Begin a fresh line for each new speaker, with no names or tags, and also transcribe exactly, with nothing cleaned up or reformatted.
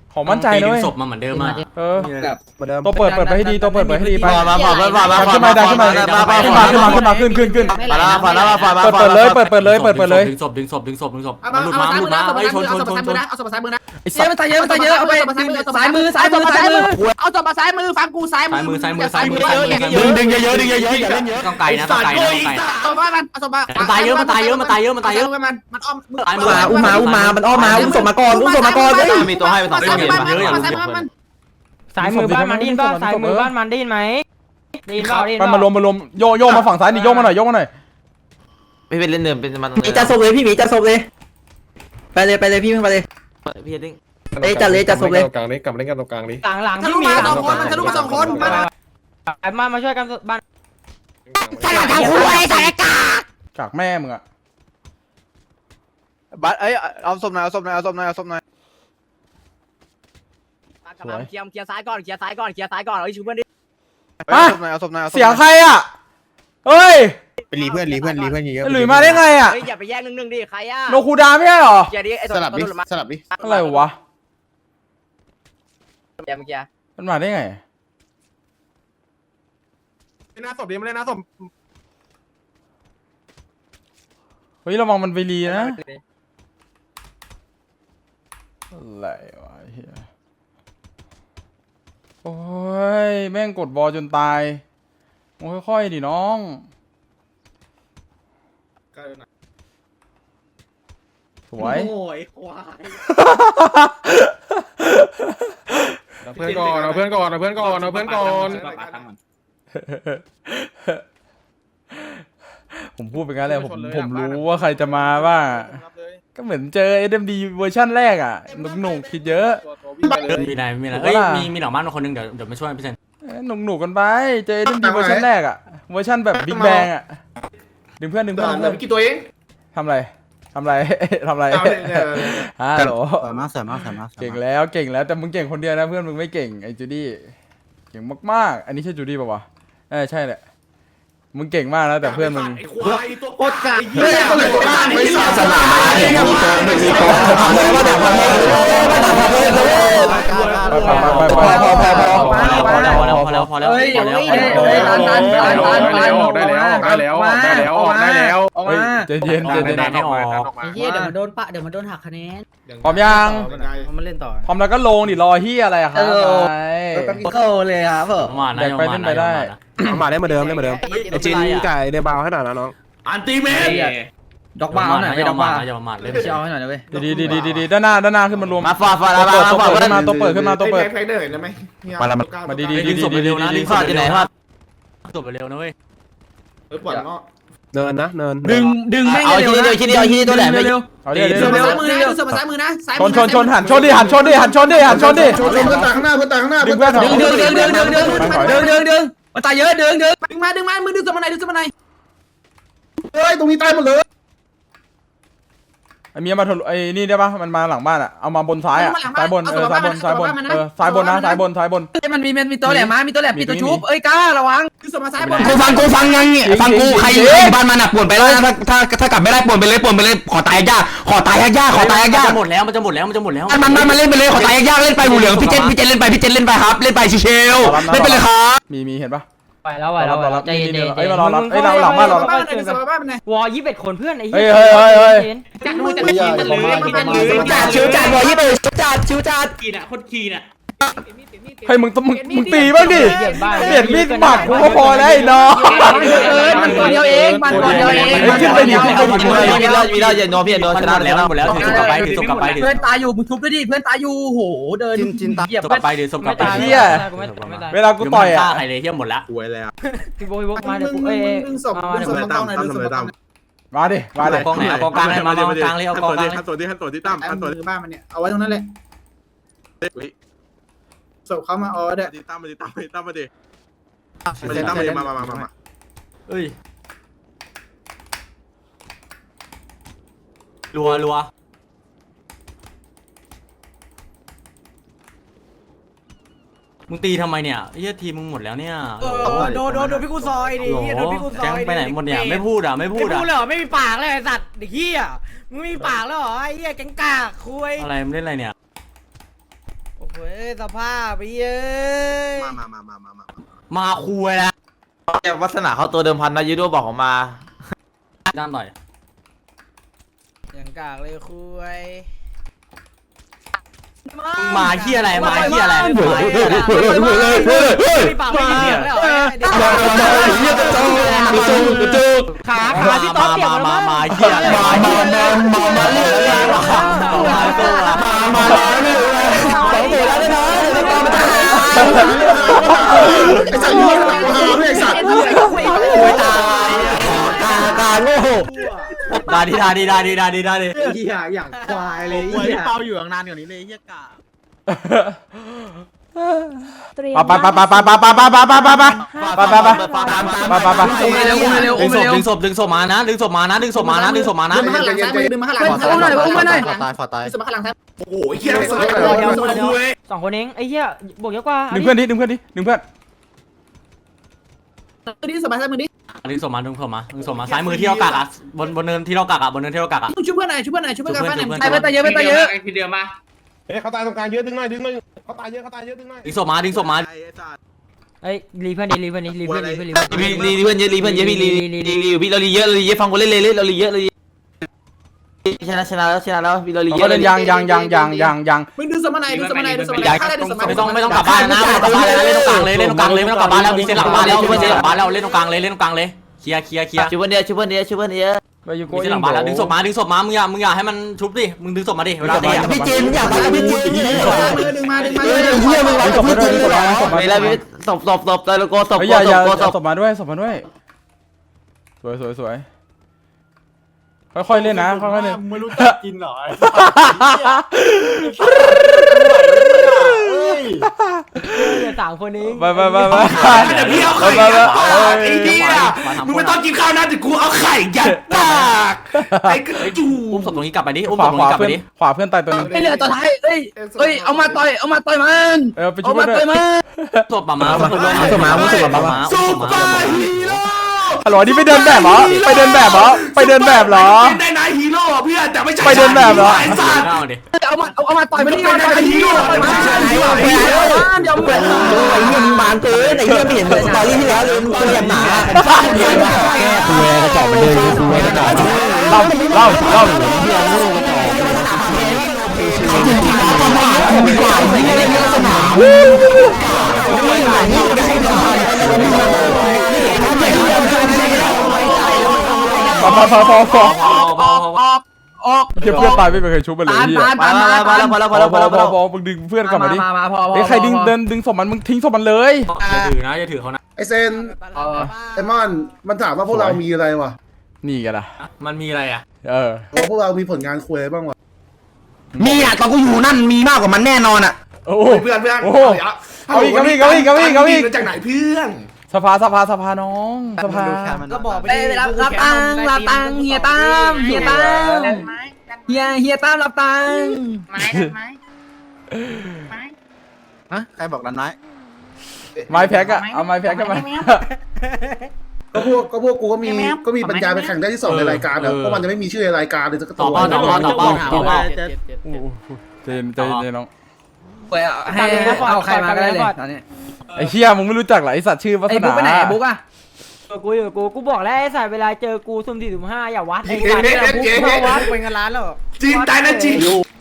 ขอมั่นใจเลย
ศพมาเหมือนเดิมอ่ะ
เออตัวเปิดเปิดไปให้ดีตัวเปิดไปให้ดีไป
มามามามามา
ขึ้นมาดันขึ้นมาขึ้นมาขึ้นมาขึ้นมาขึ้นขึ้นขึ้น
มาแล้วมาแล้วมาแล้ว
เปิดเปิดเลยเปิดเปิดเลยเปิดเปิดเลย
ดึงศพดึงศพดึงศพดึงศพ
เอา
มันหลุดมา
เอา
หลุด
ซ้าย
มา
มือ
ไอ้ชนช
เอา
น
ศ
ช
พ
น
ซ้าย
ช
มือน นะเอาศพซ้ายมือนะ
ไอ้สัตว์
มันตายเยอะมันตายเยอะเอาไปซ้ายมือซ้ายมือซ้ายมือเอาศพมาซ้ายมือฟังกูซ้ายมื
ซ้ายมือซ้ายมือซ้ายมือ
ดึงดึงเยอะๆดึงเยอะๆอย่าเล่นเยอะ
ต้องไกลนะต้องไกลนะต้องไกล
เอาศพมามันเอาศพมา
มันตายเยอะมันตายเยอะมันตายเยอะมันตายเยอะ
มันมันอ้อม
อุ้มมาอุ้มมามันอ้อมมาอุ้มศพมาก่อนอุ้มศพมาก่อนเฮ้ย
มีตัวให้ไปสอง
ซ้าย
เก
มือ
ม
มัน
เยอะอย่าง
ซ้ายมือมัน
สายมือบ้านมันได้ยินป่ะสายมือบ้านมันได้ยินไหมได้ยินเปล่าได้ยิน
มัน
เป
มารว
ล่าม
มารวมโยโย่มาฝั่งซ้ายดิโยกมาหน่อยโยกมาหน่อย
ไม่เป็นเล่นเดิมเป็นมัน
พี่จะศพเลยพี่หมีจะศพเลยไปเลยไปเลยพี่ไปเลย
พี่ดิ้ง
เอ้ยจัดเลยจัดศพเลย
กลางนี้กลับเล่นกันตรงกลางนี้
หลังหลัง
ทะ
ที่
ลุ
มี
มา
หลั
สองคนมันทะลุมาสองคนมา
มามาช่วยกันบ้าน
ใส่ทางคุยใส่กาก
ากแม่มึงอะ
บัตเอ้ยเอาศพหน่อยเอาศพหน่อยเอาศพหน่อยเอาศพหน่อย
สวย
เคลียร์เคลียร์ซ้ายก่อนเคลียร์ซ้ายก่อนเคลียร์ซ้ายก่อนเอาไอ้ชูเพื่อนดิ
เอาศพหน่อยเอาศพหน่อย
เสียงใครอะเฮ้ย
ไปรีเพื่อนรีเพื่อนรีเพื่อนเยอะ
หลุยมาได้ไงอะ
เฮ้ยอย่าไปแย่งหนึ่งๆดิใครอ่ะ
โนคูดาไม่ใช่หรอ
เคลียร์ดิไอ้
สลับดิสลับดิ
อะไรวะ
เคลียร์เมื่อกี้
มันมาได้ไง
ไม่น่าศพดีไม่ได้น่าศพ
เฮ้ยระวังมันไปรีนะอะไรวะเฮียโอ้ยแม่งกดบอลจนตายมึงค่อยๆดิน้องสวย
โอ้ยควาย
เอาเพื่อนก่อนเอาเพื่อนก่อนเอาเพื่อนก่อนเอาเพื่อนก่อน
ผมพูดไปงั้นแหละผมผมรู้ว่าใครจะมาบ้างก็เหมือนเจอ เอส เอ็ม ดี เวอร์ชั่นแรกอ่ะหนุกๆคิดเยอะ
มีนายมีนายเอ้ยมีมีหลังบ้านคนนึงเดี๋ยวเดี๋ยวมาช่วยพี่เซน
หนุกหนุกๆกันไปเจอ เอส เอ็ม ดี เวอร์ชันแรกอ่ะเวอร์ชันแบบบิ๊กแบงอ่ะดึงเพื่อนดึงเพื่อนดึงเพื่อน
กี่ตัวเอง
ทำไรทำไร ทำไรฮัลโหล
สวยมากสวยมากสวยมาก
เก่งแล้วเก่งแล้วแต่มึงเก่งคนเดียวนะเพื่อนมึงไม่เก่งไอ้จูดี้เก่งมากๆอันนี้ใช่จูดี้ป่าวะเออใช่แหละมึงเก่งมากนะแต่เพื่อนมึง
โคตรกากเฮ้ย
ไม่สาสลาย
ไม่มีตัวไม่มีตัวมาดักมาเลยมาดักมาเลยเลย
ไปไปไปไป
พอพอพอพอ
พอแล้วพอแล้วพอแล้วพอแล้วพอแล้ว
เฮ้ย
พอแล้ว
เฮ้ยเฮ้ยตันตันตันตัน
ได้แล้วออกได้แล้วออกได้แล้วออกได้แล้วออกได้แล้ว
ออก
เฮ้ย
มา
ใจเย็นใจเย็น
แดนให้ออก
ไอ้เหี้ยเดี๋ยวมันโดนปะเดี๋ยวมันโดนหักคะแนน
พร้อมยัง
มันเล่นต่อ
พร้อมแล้วก็ลงดิรอเฮียอะไรอะครับไป
เข้าเลยครับเออ
มานะ
แบกไปเล่นไปได้
มาได้เหมือนเดิมได้เหมือนเดิมไอจินไก่ในบาวให้หน่อยนะน้อง
อันตีเมน
ดอกบ้าหน่อยไม่ดอกบ้า
อย่าประมาทเลย
เชียวให้หน่อยนะเว้ย
ดีดีดีดีดีด้านหน้าด้านหน้าขึ้นมารวม
มาฟาฟา
ตัว
ลา
เปิด
ลา
ตัว
ฟา
เปิดขึ้นมาตัวเปิดขึ้นมาตัวเปิด
ไฟเดอร์ได้ไหม
มาละมา
มาดีดี
ดึ
ดี
ง
ดี
ศพ
ดี
เร็วนะ
ดี
ดึงศ
ฟา
พ
ดอยู่ไหน
เร็ว
ฟาด
ศพเร็วนะเว้ย
เฮ้ยปวดงอ
เนินนะเนิน
ดึงดึงแม่ง
เอาทีเดียวทีเดียวทีเดียวตัวแหลมเลย
เร็ว
เอาดิเอาดิ
เสือ
เอา
มา
ดิ
ซ้ายมือนะเสือมาซ้ายมือนะซ้าย
ชนชนชนหันชนดิหันชนดิหันชนดิหันชนดิ
ชนเพื่อนตายข้างหน้าเพื่อนตายข้างหน้า
ดึงเพื่อน
ดึงดึงดึงดึงดึงดึงดึงดึงดึงมันตายเยอะดึงดึงดึงมาดึงมามือดึงสมานไหนดึงสมานไหน
เฮ้ยตรงนี้ตายหมดเลย
ไอ้เมียมาทะลุไอ้นี่ได้ปะมันมาหลังบ้านอะเอามาบนซ้ายอะซ้ายบนเออซ้ายบนซ้ายบนเออซ้ายบนนะซ้ายบนซ้ายบน
มันมีมันมีตัวแหลมมามีตัวแหลมปิดตัวชุบเอ้ยกล้าระวังดึงสมานซ้ายบน
กูฟังกูฟังยังเนี่ยฟังกูใครอยู่บ้านมันอ่ะป่วนไปแล้วถ้าถ้าถ้ากลับไม่ได้ป่วนไปเลยป่วนไปเลยขอตายยากขอตายยากขอตายยาก
จะหมดแล้วมันจะหมดแล้วมันจะหมดแล้ว
มันมันมันเล่นไปเลยขอตายยากเล่นไปหูเหลืองพี่เจนพี่เจนเล่นไปพี่เจนเล่นไปครับเล่นไปเชลเล่นไปเลยครับ
มีมีเห็นปะ
ไปแล้วไปแล้วไปแล้วใจเย็น
เอ้ยมารอรับเอ้ยเราหลังบ้านเรา
บ้านไหนดึงสมานบ้านไหน
วอยี่สิบเอ็ดคนเพื่อนไอ้
เฮ้ยเฮ้ยเฮ้ยเฮ้ย
จัดมือจัดมือจัดมือจัดมือ
จัดชิวจัดบอยยี่สิบชิวจัดชิวจัด
เฮ้ยมึงมึงมึงตีบ้างดิเปลี่ยนมีดหมัดกูก็พอแล้วไอ้น้อง
มันตัวเดียวเองมันตัวเดียวเอง
มีแล้วมีแล้วอย่าโดนพี่อย่าโดนชนะ
หมดแล้วหมดแล้วถือศพกลับไปถือศพกลับไปถือ
เพื่อนตายอยู่มึงทุบด้วยดิเพื่อนตายอยู่โหเดินเหยียบ
ศพกลับไปถือศพกลับไป
เฮีย
ไม่ตาย
เวลากูต่อย
ฆ่า
อะ
ใครเลยเฮียหมดละ
หวยแล้ว
พี่โบพี่โบมาเดี๋ยวเอ้ย
ดึงศพดึงศพตรงไหนดึงศพตรงไหน
มาดิมาดิ
กองไหนเอากองกลางเลยมากองกลางเลยเอากองกลางเลย
ขั้นตัวที่ขั้นตัวที่ตั้ม
ไอ้
ขั้นตัว
มือบ้านมันเนี่ยเอาไว้ตรงนั้นแหละศพเขามาออเด้อ
ที่ตั้มมาดิตั้มมาดิตั้มมาดิมาดิตั้มมาดิมามามามา
เอ้ยรัวรัวมึงตีทำไมเนี่ยเฮียทีมึงหมดแล้วเนี่ย
โดนโดนโดนพี่กูซอยดิโดนพี่กูซ
แก๊
อง ย
ไปไหนหมดเนี่ยไม่พูดอ่ะไม่พู
ไม่
ดอ่ะ
พูดเลยเหรอไม่มีปากเลยไอ้สัตว์เด็กเหี้ยมึงไม่มีปากแล้วเหรอไอ้เหี้ยแก๊งกากคุย
อะไรมึงเล่นอะไรเนี่ย
โอ้
เว้ยสภาพไปเย้ย
มามามามามามา
มาคุยแล้ว
วัฒนาเขาตัวเดิมพันนะยูโดบอกออกมา
ด้านหน่อย
อย่างกากเลยคุย
มึงมาเฮียอะไรมาเฮียอะไร
เฮ้ยเฮ้ยเฮ้ยเฮ้ยเฮ้ยเฮ้ยเฮ้ยปากไม่เหี้ยแล้วเดี๋ยว
ขาขาพี่ต๊อ
มา
บเปียก
มา
แล้ว
มา
มั้ง
มาเฮียอะไรมามามามามาเรื่องมามาตัวมามา
สองตัวแล้วนะไอ้สัตว์นี่หลังมาไอ้สัตว์
คุยตายตาตาโง่ดาดีดาดีดาดีดาดีดาดี
เหี้ยอย่างควายเลย
ไว้เปาอยู่นานกว่านี้เลยเฮียกา
ไปไปไปไปไปไปไปไปไปไปไปไปไปไปไป
ดึงศพดึงศพดึงศพมานะดึงศพมานะดึงศพมานะดึงศพมานะ
ดึงมาข้างหลังซ้ายมือดึงมาข้างหลังซ้ายมืออุ้มมาหน่อยอุ้มมาหน่อย
ตายขอตาย
ดึงมาข้างหลังซ้าย
โอ้โหเฮียไอ้สัตว์
สองคนเองไอ้เหี้ยบวกเยอะกว่า
ดึงเพื่อนดิดึงเพื่อนดิดึงเพื่อน
มือดิสบายซ้ายมือดิ
ดึงศพมาดึงศพมาดึงศพมาซ้ายมือที่เรากักอ่ะบนบนเนินที่เรากักอ่ะบนเนินที่เรากักอ่ะ
ช่วยเพื่อนหน่อยช่วยเพื่อนหน่อยช่วยเพื่อนกันฟ้าหน่อย
ช่วยเพื่อน
ตายไปตายเยอะไปตายเยอะ
ทีเดียวมาเฮ้ยเขาตายตรงกลางเยอะดึงหน่อยดึงหน่อยเขาตายเยอะเขาตายเยอะดึงหน่อย
ดึงศพมาดึงศพมา
ไอ้รีเพื่อนดิรีเพื่อนดิรีเพื่อนรีเพื่อนรีเพื่อน
รีรีเพื่อนเยอะรีเพื่อนเยอะพี่รีรีรีพี่เรารีเยอะเรารีเยอะฟังกูเล่นเลยเรารีเยอะเรารีชนะชนะแล้วชนะแล้วพี่เรารีเย
ก็
อะ
เล่นยางยางยางยางยางยาง
มึงดึงสมานายดึงสมานายดึงสมานายถ้าได้ดึงสมานาย
ไม่ต้องไม่ต้องกลับบ้านนะไม่ต้องกลับบ้านเลยเล่นตรงกลางเลยเล่นตรงกลางเลยไม่ต้องกลับบ้านแล้วมีเส้นหลังบ้านแล้วมีเส้นหลังบ้านแล้วเล่นตรงกลางเลยเล่นตรงกลางเลยเคลียร์เคลียร์เคลียร์
ช่วยเพื่อนเดียวช่วยเพื่อนเดียวช่วยเพื่อนเดียว
ไปยูโก
มีเส้นหลังบ้านแล้วดึงศพมาดึงศพมามึงอย่ามึงอย่าให้มันชุบดิมึงดึงศพมาดิเวลาตีอ่ะ
พี่จีนอยากไปพี่จีน
ดึงมาดึงมา
เฮ้ย
ดึง
เฮียมึง
ไป
ร้อย
ศพมาด้วยศพมา
ไม่แล้วพี่ศพศพศพตะลุโกศพ
เฮ้ย
โก
อย่า
ศ
อย่า
พโกศพ
ศพมาด้วยศพมาด้วยสวยสวยสวยค่อยๆเล่นนะค่อยๆเล่น
ไม่รู้จักกินหรอ
สามคนเอง
ไปไปไปไป
เดี๋ยวพี่เอาไข่ยัดปากไอ้เหี้ยมึงไม่ต้องกินข้าวนะแต่กูเอาไข่ยัดปากไอ้กระจู
อุ้มศพตรงนี้กลับไปดิอุ้ม
ข
ศ
วา
พตรง
ขวา
นี้กลับไป
เพื่อน
ดิ
ขวาเพื่อนตายตัวนึง
ไอ้เหลือตัวท้ายเอ้ยเอ้ยเอามาต่อยเอามาต่อยมัน
เออไปช่
เอา
วย
มา
ด้ว
ต่อย ยมัน
ศพมามาศพมา
ซุปเปอร์ฮีโร่
ฮัลโหลนี่ไปเดินแบบเหรอไปเดินแบบเหรอไปเดินแบบเหรอ
เป็นได้นายฮีโร่เพื่อนแต่ไม่ใช่
ไปเดินแบบเหรอ
ไอ้สัตว์
เข้าดิ
เอามาเอามาต่อยมันนี่มาต่อยมันนี่ต่อยมันเดี๋ยวมึง
ไอ้เหี้ยมึงบานเกินไอ้เหี้ยไม่เห็นสตอรี่ที่แล้วเลยมึงตัวอย่างหนาแก้ตัวกระจอกมันเดินตัวกระจอก
เล่าเล่าเล่า
จริงๆแล้วมันไม่ได้ไม่ได้เล่นสนาม
พอพอพอพอพอ
ออกออก
ออก
เพื่อนตายไม่เคยชุบมันเลย
ตาน
พี่
ตาน
พอ
ตาน
แล้วพอแล้วพอแล้วพอ
พอ
แล้วพ
พ
อ
อ
แล้ว
พอพอมึงดึงเพื่อนกลับมาดิ
มามาพอ
เฮ้ยใครดึงเดินดึงศพมันมึงทิ้งศพมันเลย
อย่าถือนะอย่าถือเขานะ
ไอเซนไอมอนมันถามว่าพวกเรามีอะไรวะ
นี่กันนะ
มันมีอะไรอ่ะ
เออ
ว่าพวกเรามีผลงานคุยอะไรบ้างวะ
มีอ่ะตอนกูอยู่นั่นมีมากกว่ามันแน่นอนอ่ะ
โอ้
เพื่อนเพื่อน
โอ้เอาอีกเอาอีกเอาอีกเอาอีกเอาอีก
จากไหนเพื่อน
สภาสภาสภาน้องสภา
ก็บอกไป
ไปรับรับตังรับตังเฮียตั้มเฮียตั้มเฮียเฮียตั้มรับตัง
ไม้ไม้ไม้
ฮะใครบอกดันไม้
ไม้แพ็กอะเอาไม้แพ็กกันมา
ก็พวกก็พวกกูก็มีก็มีปัญญาไปแข่งได้ที่สองในรายการอะเพราะมันจะไม่มีชื่อในรายการเลยสัก
ต่
ตั
อ
ว
เป้าต่อเป้าต่อเป้าต่อเป้า
โอ้โหเจนเจนเจนน้อง
ไปให้เอาใครมาก็ได้เลยตอนนี้
ไอ้เชี่ยมึงไม่รู้จักเหรอไอ้สัตว์ชื่อวัฒ
ไอ้
นา
บุ๊กไปไหนบุ๊กอะ
กูอยู่กูกูบอกแล้วไอ้สายเวลาเจอกูสุ่มสี่สุ่มห้าอย่าวัดไอ้
เอ๊ะ
สัตว์
เอ๊ะ
อย่า
เอ๊ะ
วัด
เป็นเงินล้านแล้ว
จีนตายนะจีน